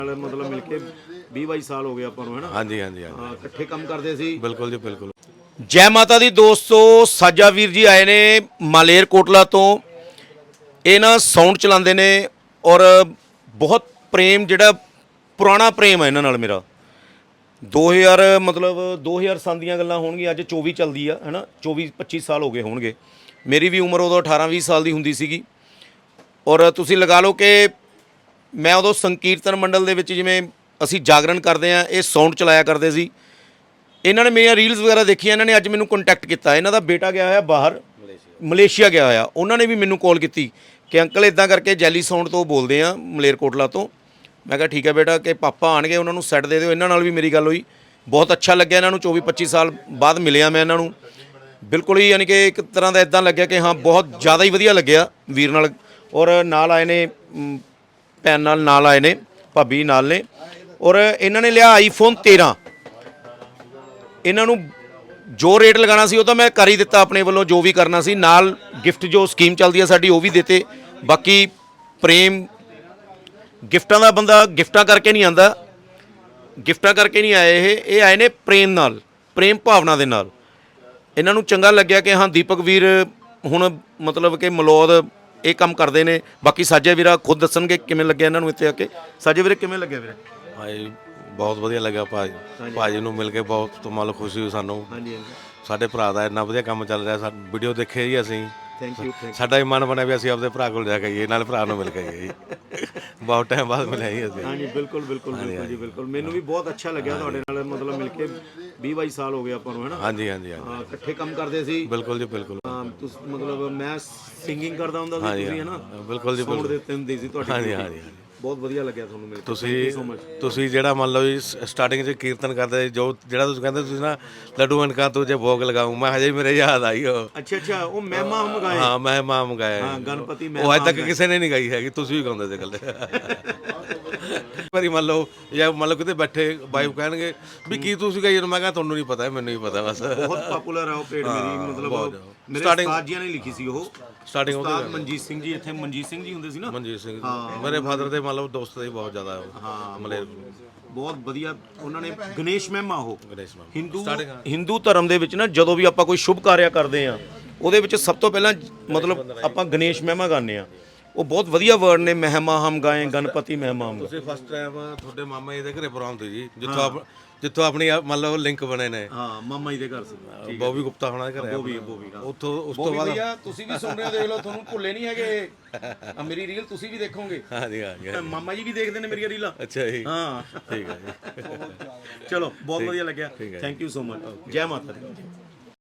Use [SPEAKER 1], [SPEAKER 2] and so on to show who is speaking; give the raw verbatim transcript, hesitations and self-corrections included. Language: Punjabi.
[SPEAKER 1] मतलब मिलके बीस बाईस साल हो गए ਆਪਾਂ ਨੂੰ ਹੈ ਨਾ।
[SPEAKER 2] ਹਾਂਜੀ ਹਾਂਜੀ ਹਾਂਜੀ
[SPEAKER 1] ਹਾਂ ਇਕੱਠੇ ਕੰਮ ਕਰਦੇ ਸੀ।
[SPEAKER 2] ਬਿਲਕੁਲ ਜੀ ਬਿਲकुल।
[SPEAKER 1] ਜੈ ਮਾਤਾ ਦੀ ਦੋਸਤੋ, ਸਾਜਾ ਵੀਰ ਜੀ ਆਏ ਨੇ ਮਾਲੇਰ ਕੋਟਲਾ ਤੋਂ। ਇਹ ਨਾ ਸਾਊਂਡ ਚਲਾਉਂਦੇ ਨੇ ਔਰ ਬਹੁਤ ਪ੍ਰੇਮ, ਜਿਹੜਾ ਪੁਰਾਣਾ ਪ੍ਰੇਮ ਹੈ ਇਹਨਾਂ ਨਾਲ ਮੇਰਾ। ਦੋ ਹਜ਼ਾਰ ਮਤਲਬ ਦੋ ਹਜ਼ਾਰ ਸੰਨ ਦੀਆਂ ਗੱਲਾਂ ਹੋਣਗੀਆਂ, ਅੱਜ ਚੌਵੀ ਚੱਲਦੀ ਆ ਹੈ ਨਾ, ਚੌਵੀ ਪੱਚੀ ਸਾਲ ਹੋ ਗਏ ਹੋਣਗੇ। ਮੇਰੀ ਵੀ ਉਮਰ ਉਦੋਂ ਅਠਾਰਾਂ ਵੀਹ ਸਾਲ ਦੀ ਹੁੰਦੀ ਸੀਗੀ। ਔਰ ਤੁਸੀਂ ਲਗਾ ਲਓ ਕਿ ਮੈਂ ਉਦੋਂ ਸੰਕੀਰਤਨ ਮੰਡਲ ਦੇ ਵਿੱਚ ਜਿਵੇਂ ਅਸੀਂ ਜਾਗਰਣ ਕਰਦੇ ਹਾਂ, ਇਹ ਸਾਊਂਡ ਚਲਾਇਆ ਕਰਦੇ ਸੀ। ਇਹਨਾਂ ਨੇ ਮੇਰੀਆਂ ਰੀਲਸ ਵਗੈਰਾ ਦੇਖੀਆਂ, ਇਹਨਾਂ ਨੇ ਅੱਜ ਮੈਨੂੰ ਕੰਟੈਕਟ ਕੀਤਾ। ਇਹਨਾਂ ਦਾ ਬੇਟਾ ਗਿਆ ਹੋਇਆ ਬਾਹਰ, ਮਲੇਸ਼ੀਆ ਗਿਆ ਹੋਇਆ। ਉਹਨਾਂ ਨੇ ਵੀ ਮੈਨੂੰ ਕਾਲ ਕੀਤੀ ਕਿ ਅੰਕਲ ਇੱਦਾਂ ਕਰਕੇ ਜੈਲੀ ਸਾਊਂਡ ਤੋਂ ਬੋਲਦੇ ਆ, ਮਲੇਰਕੋਟਲਾ ਤੋਂ। ਮੈਂ ਕਿਹਾ ਠੀਕ ਹੈ ਬੇਟਾ, ਕਿ ਪਾਪਾ ਆਣਗੇ ਉਹਨਾਂ ਨੂੰ ਸੈੱਟ ਦੇ ਦਿਓ। ਇਹਨਾਂ ਨਾਲ ਵੀ ਮੇਰੀ ਗੱਲ ਹੋਈ, ਬਹੁਤ ਅੱਛਾ ਲੱਗਿਆ। ਇਹਨਾਂ ਨੂੰ ਚੌਵੀ ਪੱਚੀ ਸਾਲ ਬਾਅਦ ਮਿਲਿਆ ਮੈਂ ਇਹਨਾਂ ਨੂੰ, ਬਿਲਕੁਲ ਹੀ ਯਾਨੀ ਕਿ ਇੱਕ ਤਰ੍ਹਾਂ ਦਾ ਇੱਦਾਂ ਲੱਗਿਆ ਕਿ ਹਾਂ ਬਹੁਤ ਜ਼ਿਆਦਾ ਹੀ ਵਧੀਆ ਲੱਗਿਆ ਵੀਰ ਨਾਲ। ਔਰ ਨਾਲ ਆਏ ਨੇ ਭੈਣ ਨਾਲ ਨਾਲ ਆਏ ਨੇ, ਭਾਬੀ ਨਾਲ ਨੇ। ਔਰ ਇਹਨਾਂ ਨੇ ਲਿਆ ਆਈਫੋਨ ਤੇਰਾਂ। ਇਹਨਾਂ ਨੂੰ ਜੋ ਰੇਟ ਲਗਾਉਣਾ ਸੀ ਉਹ ਤਾਂ ਮੈਂ ਕਰ ਹੀ ਦਿੱਤਾ ਆਪਣੇ ਵੱਲੋਂ, ਜੋ ਵੀ ਕਰਨਾ ਸੀ। ਨਾਲ ਗਿਫਟ ਜੋ ਸਕੀਮ ਚੱਲਦੀ ਹੈ ਸਾਡੀ ਉਹ ਵੀ ਦਿੱਤੇ। ਬਾਕੀ ਪ੍ਰੇਮ, ਗਿਫਟਾਂ ਦਾ ਬੰਦਾ ਗਿਫਟਾਂ ਕਰਕੇ ਨਹੀਂ ਆਉਂਦਾ, ਗਿਫਟਾਂ ਕਰਕੇ ਨਹੀਂ ਆਏ ਇਹ ਇਹ ਆਏ ਨੇ ਪ੍ਰੇਮ ਨਾਲ, ਪ੍ਰੇਮ ਭਾਵਨਾ ਦੇ ਨਾਲ। ਇਹਨਾਂ ਨੂੰ ਚੰਗਾ ਲੱਗਿਆ ਕਿ ਹਾਂ ਦੀਪਕ ਵੀਰ ਹੁਣ ਮਤਲਬ ਕਿ ਮਲੌਦ ਇਹ ਕੰਮ ਕਰਦੇ ਨੇ। ਬਾਕੀ ਸਾਜੇ ਵੀਰਾ ਖੁਦ ਦੱਸਣਗੇ ਕਿਵੇਂ ਲੱਗਿਆ ਇਹਨਾਂ ਨੂੰ ਇੱਥੇ ਆ ਕੇ। ਸਾਜੇ ਵੀਰੇ ਕਿਵੇਂ ਲੱਗਿਆ ਵੀਰੇ?
[SPEAKER 2] ਹਾਂਜੀ ਬਹੁਤ ਵਧੀਆ ਲੱਗਾ ਭਾਜੀ, ਭਾਜੀ ਨੂੰ ਮਿਲ ਕੇ ਬਹੁਤ ਮਤਲਬ ਖੁਸ਼ੀ ਹੋਈ ਸਾਨੂੰ।
[SPEAKER 1] ਹਾਂਜੀ ਹਾਂਜੀ,
[SPEAKER 2] ਸਾਡੇ ਭਰਾ ਦਾ ਇੰਨਾ ਵਧੀਆ ਕੰਮ ਚੱਲ ਰਿਹਾ। ਸਾ ਵੀਡੀਓ ਦੇਖੇ ਜੀ ਅਸੀਂ,
[SPEAKER 1] ਥੈਂਕ ਯੂ ਥੈਂਕ
[SPEAKER 2] ਸਾਡਾ ਵੀ ਮਨ ਬਣਿਆ ਵੀ ਅਸੀਂ ਆਪਦੇ ਭਰਾ ਕੋਲ ਜਾ ਕੇ ਆਈਏ, ਨਾਲ ਭਰਾ ਨੂੰ ਮਿਲ ਕੇ ਆਈਏ ਜੀ। ਬਹੁਤ ਟਾਈਮ ਬਾਅਦ ਮਿਲੇ ਜੀ ਅਸੀਂ।
[SPEAKER 1] ਹਾਂਜੀ ਬਿਲਕੁਲ ਬਿਲਕੁਲ ਬਿਲਕੁਲ ਜੀ ਬਿਲਕੁਲ। ਮੈਨੂੰ ਵੀ ਬਹੁਤ ਅੱਛਾ ਲੱਗਿਆ ਤੁਹਾਡੇ ਨਾਲ ਮਤਲਬ ਮਿਲ ਕੇ। ਵੀਹ ਬਾਈ ਸਾਲ ਹੋ ਗਏ ਆਪਾਂ ਨੂੰ ਹੈ ਨਾ।
[SPEAKER 2] ਹਾਂਜੀ ਹਾਂਜੀ ਹਾਂਜੀ
[SPEAKER 1] ਹਾਂ ਇਕੱਠੇ ਕੰਮ ਕਰਦੇ ਸੀ।
[SPEAKER 2] ਬਿਲਕੁਲ ਜੀ ਬਿਲकुल।
[SPEAKER 1] ਹਾਂ ਤੁਸੀਂ ਮਤਲਬ ਮੈਂ ਸਿੰਗਿੰਗ ਕਰਦਾ ਹੁੰਦਾ ਸੀ, ਤੁਸੀਂ ਹੈ ਨਾ
[SPEAKER 2] ਬਿਲਕੁਲ ਜੀ
[SPEAKER 1] ਸਾਊਂਡ ਦਿੱਤੇ ਹੁੰਦੇ ਸੀ ਤੁਹਾਡੀ।
[SPEAKER 2] ਹਾਂਜੀ ਹਾਂਜੀ।
[SPEAKER 1] ਬਹੁਤ ਵਧੀਆ ਲੱਗਿਆ ਤੁਹਾਨੂੰ ਮਿਲ ਕੇ।
[SPEAKER 2] ਤੁਸੀਂ ਤੁਸੀਂ ਜਿਹੜਾ ਮੰਨ ਲਓ ਜੀ ਸਟਾਰਟਿੰਗ 'ਚ ਕੀਰਤਨ ਕਰਦੇ ਜੋ ਜਿਹੜਾ ਤੁਸੀਂ ਕਹਿੰਦੇ ਤੁਸੀਂ ਨਾ ਲੱਡੂ ਅਨਕਾ ਤੂੰ ਜੇ ਭੋਗ ਲਗਾऊं, ਮੈਂ ਹਜੇ ਮੇਰੇ ਯਾਦ ਆਈ ਉਹ।
[SPEAKER 1] ਅੱਛਾ ਅੱਛਾ, ਉਹ ਮਹਿਮਾ ਹਮ ਗਾਏ।
[SPEAKER 2] ਹਾਂ ਮੈਂ ਮਾਮ ਗਾਇਆ।
[SPEAKER 1] ਹਾਂ ਗਣਪਤੀ ਮੈਂ
[SPEAKER 2] ਉਹ ਅੱਜ ਤੱਕ ਕਿਸੇ ਨੇ ਨਹੀਂ ਗਾਈ ਹੈਗੀ, ਤੁਸੀਂ ਵੀ ਗਾਉਂਦੇ ਸੀ ਇਕੱਲੇ। ਵਾਰੀ ਮੰਨ ਲਓ ਜਾਂ ਮੰਨ ਲਓ ਕਿਤੇ ਬੈਠੇ ਵਾਈਫ ਕਹਿਣਗੇ ਵੀ ਕੀ ਤੁਸੀਂ ਗਾਈ, ਮੈਂ ਕਿਹਾ ਤੁਹਾਨੂੰ ਨਹੀਂ ਪਤਾ, ਮੈਨੂੰ ਵੀ ਪਤਾ ਬਸ।
[SPEAKER 1] ਬਹੁਤ ਪਪੂਲਰ ਆ ਉਹ ਭੇਡ ਮੇਰੀ, ਮਤਲਬ ਮੇਰੇ ਉਸਤਾਦ ਜੀਆਂ ਨੇ ਲਿਖੀ ਸੀ ਉਹ।
[SPEAKER 2] ਸਟਾਰਟਿੰਗ
[SPEAKER 1] ਉਸਤਾਦ ਮਨਜੀਤ ਸਿੰਘ ਜੀ, ਇੱਥੇ ਮਨਜੀਤ ਸਿੰਘ ਜੀ ਹੁੰਦੇ ਸੀ ਨਾ।
[SPEAKER 2] ਮਨਜੀਤ ਸਿੰਘ ਮੇਰੇ ਫਾਦਰ ਦੇ ਮੰਨ ਲਓ ਦੋਸਤ ਦੇ ਬਹੁਤ ਜ਼ਿਆਦਾ
[SPEAKER 1] ਹਾਂ
[SPEAKER 2] ਮਲੇਰ
[SPEAKER 1] ਬਹੁਤ ਵਧੀਆ। ਉਹਨਾਂ ਨੇ ਗਣੇਸ਼ ਮਹਿਮਾ ਉਹ
[SPEAKER 2] ਗਣੇਸ਼ ਮਾਮ
[SPEAKER 1] ਹਿੰਦੂ ਹਿੰਦੂ ਧਰਮ ਦੇ ਵਿੱਚ ਨਾ ਜਦੋਂ ਵੀ ਆਪਾਂ ਕੋਈ ਸ਼ੁਭ ਕਾਰਿਆ ਕਰਦੇ ਆ ਉਹਦੇ ਵਿੱਚ ਸਭ ਤੋਂ ਪਹਿਲਾਂ ਮਤਲਬ ਆਪਾਂ ਗਣੇਸ਼ ਮਹਿਮਾ ਗਾਉਂਦੇ ਆ। ਉਹ ਬਹੁਤ ਵਧੀਆ ਵਰਡ ਨੇ, ਮਹਿਮਾ ਹਮ ਗਾਏ ਗਣਪਤੀ ਮਹਿਮਾ ਹਮ।
[SPEAKER 2] ਤੁਸੀਂ ਫਸਟ ਟਾਈਮ ਤੁਹਾਡੇ ਮਾਮਾ ਜੀ ਦੇ ਘਰੇ ਪ੍ਰੋਗਰਾਮ ਤੇ ਜੀ, ਜਿੱਥੋਂ ਆਪ ਜਿੱਥੋਂ ਆਪਣੀ ਮੰਨ ਲਓ ਲਿੰਕ ਬਣੇ ਨੇ।
[SPEAKER 1] ਹਾਂ ਮਾਮਾ ਜੀ ਦੇ ਘਰ ਸੀ,
[SPEAKER 2] ਬੋਬੀ ਗੁਪਤਾ ਹੋਣਾ ਦੇ ਘਰੇ।
[SPEAKER 1] ਬੋਬੀ ਬੋਬੀ
[SPEAKER 2] ਉੱਥੋਂ ਉਸ ਤੋਂ ਬਾਅਦ
[SPEAKER 1] ਭਈਆ ਤੁਸੀਂ ਵੀ ਸੁਣ ਰਹੇ ਹੋ, ਦੇਖ ਲਓ ਤੁਹਾਨੂੰ ਭੁੱਲੇ ਨਹੀਂ ਹੈਗੇ। ਆ ਮੇਰੀ ਰੀਲ ਤੁਸੀਂ ਵੀ ਦੇਖੋਗੇ।
[SPEAKER 2] ਹਾਂਜੀ ਹਾਂਜੀ।
[SPEAKER 1] ਮਾਮਾ ਜੀ ਵੀ ਦੇਖਦੇ ਨੇ ਮੇਰੀਆਂ ਰੀਲਾਂ।
[SPEAKER 2] ਅੱਛਾ ਜੀ,
[SPEAKER 1] ਹਾਂ
[SPEAKER 2] ਠੀਕ ਹੈ ਜੀ।
[SPEAKER 1] ਚਲੋ ਬਹੁਤ ਵਧੀਆ ਲੱਗਿਆ, ਥੈਂਕ ਯੂ ਸੋ ਮਚ। ਜੈ ਮਾਤਾ ਦੀ।